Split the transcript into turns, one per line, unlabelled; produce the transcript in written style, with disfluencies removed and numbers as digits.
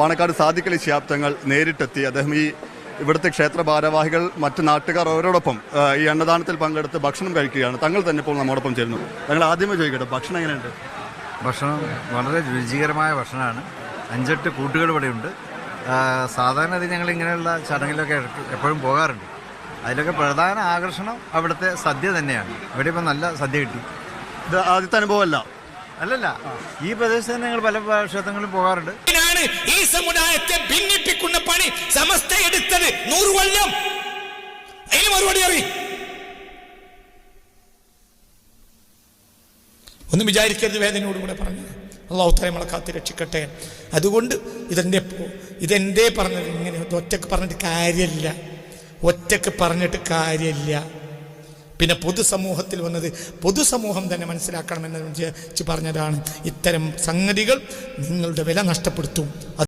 പാണക്കാട് സാദിഖ് അലി ശിഹാബ് തങ്ങൾ നേരിട്ടെത്തി. അദ്ദേഹം ഇവിടുത്തെ ക്ഷേത്ര ഭാരവാഹികൾ മറ്റ് നാട്ടുകാർ അവരോടൊപ്പം ഈ അന്നദാനത്തിൽ പങ്കെടുത്ത് ഭക്ഷണം കഴിക്കുകയാണ്. തങ്ങൾ തന്നെ ഇപ്പോൾ നമ്മോടൊപ്പം ചേരുന്നു. ഞങ്ങൾ ആദ്യമേ ചോദിക്കട്ടെ, ഭക്ഷണം എങ്ങനെയുണ്ട്?
ഭക്ഷണം വളരെ രുചികരമായ ഭക്ഷണമാണ്. 5-8 കൂട്ടുകൾ ഇവിടെയുണ്ട്. സാധാരണ ഞങ്ങൾ ഇങ്ങനെയുള്ള ചടങ്ങിലൊക്കെ എപ്പോഴും പോകാറുണ്ട്. അതിലൊക്കെ പ്രധാന ആകർഷണം അവിടുത്തെ സദ്യ തന്നെയാണ്. ഇവിടെ ഇപ്പം നല്ല സദ്യ കിട്ടി.
ഇത് ആദ്യത്തെ അനുഭവമല്ല.
അല്ലല്ല, ഈ പ്രദേശത്ത് തന്നെ ഞങ്ങൾ പല ക്ഷേത്രങ്ങളിലും പോകാറുണ്ട്.
ഈ സമുദായത്തെ ഭിന്നിപ്പിക്കുന്ന പണി സമസ്ത എടുത്തത് 100 കൊല്ലം. അതിന് മറുപടി അറിയും. ഒന്നും വിചാരിക്കരുത്, വേദനയോടുകൂടെ പറഞ്ഞു. അള്ളാഹു തആല നമ്മളെ കാത്ത് രക്ഷിക്കട്ടെ. അതുകൊണ്ട് ഇതെന്തേ പറഞ്ഞത് ഇങ്ങനെ ഒറ്റക്ക് പറഞ്ഞിട്ട് കാര്യമില്ല. പിന്നെ പൊതുസമൂഹത്തിൽ വന്നത് പൊതുസമൂഹം തന്നെ മനസ്സിലാക്കണമെന്ന് പറഞ്ഞതാണ്. ഇത്തരം സംഗതികൾ നിങ്ങളുടെ വില നഷ്ടപ്പെടുത്തും.